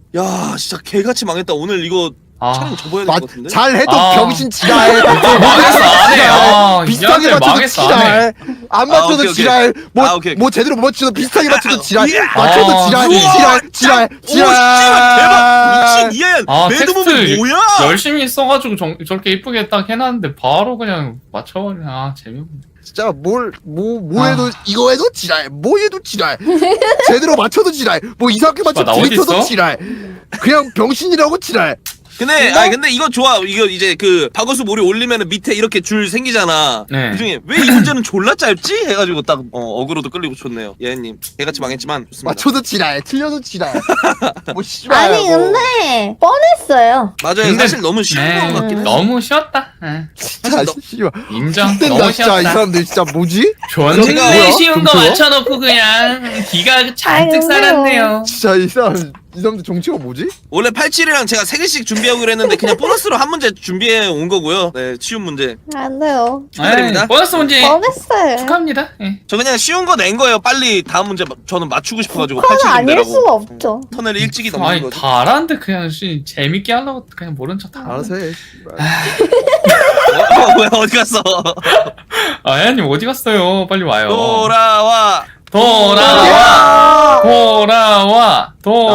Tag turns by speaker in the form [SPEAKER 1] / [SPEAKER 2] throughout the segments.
[SPEAKER 1] 야 진짜 개같이 망했다. 오늘 이거 촬영 접어야 될 것 같은데.
[SPEAKER 2] 잘해도
[SPEAKER 3] 아.
[SPEAKER 2] 병신 지랄.
[SPEAKER 3] 망했어 안 해. 아,
[SPEAKER 2] 비슷하게
[SPEAKER 3] 이한테
[SPEAKER 2] 맞춰도
[SPEAKER 3] 망했어 안 해.
[SPEAKER 2] 지랄. 안 맞춰도
[SPEAKER 1] 오케이, 오케이.
[SPEAKER 2] 지랄.
[SPEAKER 1] 오케이.
[SPEAKER 2] 뭐 제대로 못 맞춰도 비슷하게 맞춰도 지랄.
[SPEAKER 1] 예.
[SPEAKER 2] 맞춰도
[SPEAKER 3] 아,
[SPEAKER 2] 지랄.
[SPEAKER 1] 우와,
[SPEAKER 2] 지랄.
[SPEAKER 1] 오 씨발 대박. 미친 이하연
[SPEAKER 3] 아
[SPEAKER 1] 매드몸이
[SPEAKER 3] 텍스트
[SPEAKER 1] 뭐야?
[SPEAKER 3] 열심히 써가지고 저렇게 이쁘게 딱 해놨는데 바로 그냥 맞춰버리네. 아 재미없네.
[SPEAKER 2] 진짜 뭐 해도 이거 해도 지랄. 뭐 해도 지랄. 제대로 맞춰도 지랄. 뭐 이상하게
[SPEAKER 3] 나
[SPEAKER 2] 맞춰도
[SPEAKER 3] 어디
[SPEAKER 2] 들이켜도
[SPEAKER 3] 있어?
[SPEAKER 2] 지랄. 그냥 병신이라고 지랄.
[SPEAKER 1] 근데 이거 좋아. 이거 이제 그 박어수 몰이 올리면은 밑에 이렇게 줄 생기잖아.
[SPEAKER 3] 네.
[SPEAKER 1] 그중에 왜 이 문제는 졸라 짧지? 해가지고 딱 어그로도 끌리고 좋네요. 예님 개같이 망했지만 좋습니다.
[SPEAKER 2] 맞춰도 지랄. 틀려도 지랄. 뭐 씨발.
[SPEAKER 4] 아니
[SPEAKER 2] 뭐.
[SPEAKER 4] 근데 뻔했어요.
[SPEAKER 1] 맞아요.
[SPEAKER 3] 근데-
[SPEAKER 1] 사실 너무 쉬운
[SPEAKER 3] 네,
[SPEAKER 1] 거 같긴 해.
[SPEAKER 3] 너무 쉬웠다. 네.
[SPEAKER 2] 진짜 씨발.
[SPEAKER 3] 인정.
[SPEAKER 2] 된다
[SPEAKER 3] 너무
[SPEAKER 2] 진짜 이
[SPEAKER 3] 쉬웠다.
[SPEAKER 2] 사람들 진짜 뭐지?
[SPEAKER 3] 존내
[SPEAKER 2] 뭐야?
[SPEAKER 3] 쉬운 거
[SPEAKER 2] 점수요?
[SPEAKER 3] 맞춰놓고 그냥 기가 잔뜩
[SPEAKER 4] 아이고.
[SPEAKER 3] 살았네요.
[SPEAKER 2] 진짜 이 사람들 정치가 뭐지?
[SPEAKER 1] 원래 87이랑 제가 3개씩 준비하기로 했는데 그냥 보너스로 한 문제 준비해 온 거고요. 네, 쉬운 문제.
[SPEAKER 4] 안 돼요.
[SPEAKER 1] 축하드립니다.
[SPEAKER 3] 에이, 보너스 문제
[SPEAKER 4] 뻔했어요.
[SPEAKER 3] 축하합니다. 예.
[SPEAKER 1] 저 그냥 쉬운 거 낸 거예요. 빨리 다음 문제 저는 맞추고 싶어가지고
[SPEAKER 4] 뻔은
[SPEAKER 1] 87
[SPEAKER 4] 아닐
[SPEAKER 1] 문제라고.
[SPEAKER 4] 수가 없죠.
[SPEAKER 1] 턴을 일찍이
[SPEAKER 3] 아니
[SPEAKER 1] 넘는 거지.
[SPEAKER 3] 다 알았는데 그냥 재밌게 하려고 그냥 모른 척다.
[SPEAKER 2] 알아서 해. 씨발.
[SPEAKER 1] 뭐야 어디 갔어?
[SPEAKER 3] 아 혜연님 어디 갔어요? 빨리 와요.
[SPEAKER 1] 돌아와.
[SPEAKER 3] 돌아와. 돌아와.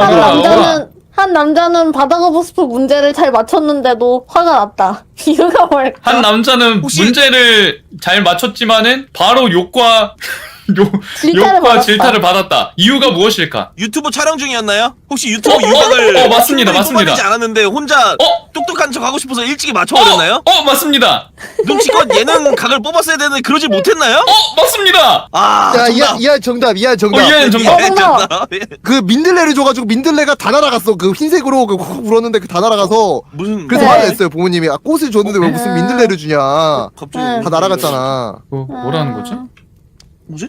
[SPEAKER 4] 한 남자는 바다거북스프 문제를 잘 맞췄는데도 화가 났다. 이유가 뭘까?
[SPEAKER 3] 한 남자는
[SPEAKER 1] 혹시-
[SPEAKER 3] 문제를 잘 맞췄지만은 바로 욕과
[SPEAKER 4] 질타를
[SPEAKER 3] 욕과
[SPEAKER 4] 받았다.
[SPEAKER 3] 질타를 받았다. 이유가 무엇일까?
[SPEAKER 1] 유튜브 촬영 중이었나요? 혹시 유튜브
[SPEAKER 3] 어,
[SPEAKER 1] 유곽을
[SPEAKER 3] 맞습니다,
[SPEAKER 1] 충분히
[SPEAKER 3] 맞습니다.
[SPEAKER 1] 뽑아내지 않았는데 혼자
[SPEAKER 3] 어?
[SPEAKER 1] 똑똑한 척 하고 싶어서 일찍이 맞춰버렸나요?
[SPEAKER 3] 맞습니다.
[SPEAKER 1] 눈치껏 예능 각을 뽑았어야 되는데 그러지 못했나요?
[SPEAKER 3] 맞습니다.
[SPEAKER 1] 아
[SPEAKER 2] 야,
[SPEAKER 1] 정답.
[SPEAKER 2] 이하 정답.
[SPEAKER 3] 이하연 정답.
[SPEAKER 1] 예,
[SPEAKER 4] 정답.
[SPEAKER 1] 정답. 예.
[SPEAKER 2] 그 민들레를 줘가지고 민들레가 다 날아갔어. 그 흰색으로 그 콕 불었는데 그 다 날아가서
[SPEAKER 1] 무슨
[SPEAKER 2] 그래서
[SPEAKER 4] 네.
[SPEAKER 2] 화가 냈어요 부모님이. 아, 꽃을 줬는데 왜 무슨 민들레를 주냐.
[SPEAKER 1] 갑자기
[SPEAKER 4] 응.
[SPEAKER 2] 다 날아갔잖아.
[SPEAKER 3] 뭐라는 거지?
[SPEAKER 1] 뭐지?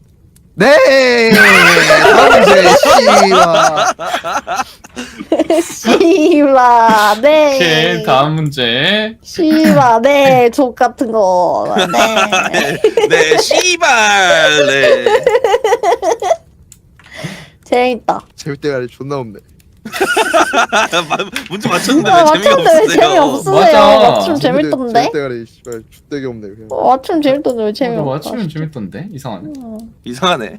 [SPEAKER 2] 네. 다음 문제 씨발.
[SPEAKER 4] 씨바
[SPEAKER 3] 오케이
[SPEAKER 4] 네.
[SPEAKER 3] 다음 문제.
[SPEAKER 4] 씨바 네. 족 같은 거. 네.
[SPEAKER 1] 네, 씨발. 네.
[SPEAKER 4] 재밌다.
[SPEAKER 2] 재울 때가 아니라 존나 없네.
[SPEAKER 1] 문제 맞췄는데
[SPEAKER 4] 아,
[SPEAKER 1] 왜 재미가
[SPEAKER 4] 맞췄는데 왜
[SPEAKER 1] 없으세요?
[SPEAKER 4] 재미없으세요?
[SPEAKER 3] 맞아.
[SPEAKER 4] 맞춤 재밌던데?
[SPEAKER 2] 재울 때가 아니라 씨발 죽되게 없네 그냥.
[SPEAKER 4] 맞춤 재밌던데 왜 재미없어?
[SPEAKER 3] 맞추면 재밌던데 이상하네.
[SPEAKER 1] 이상하네.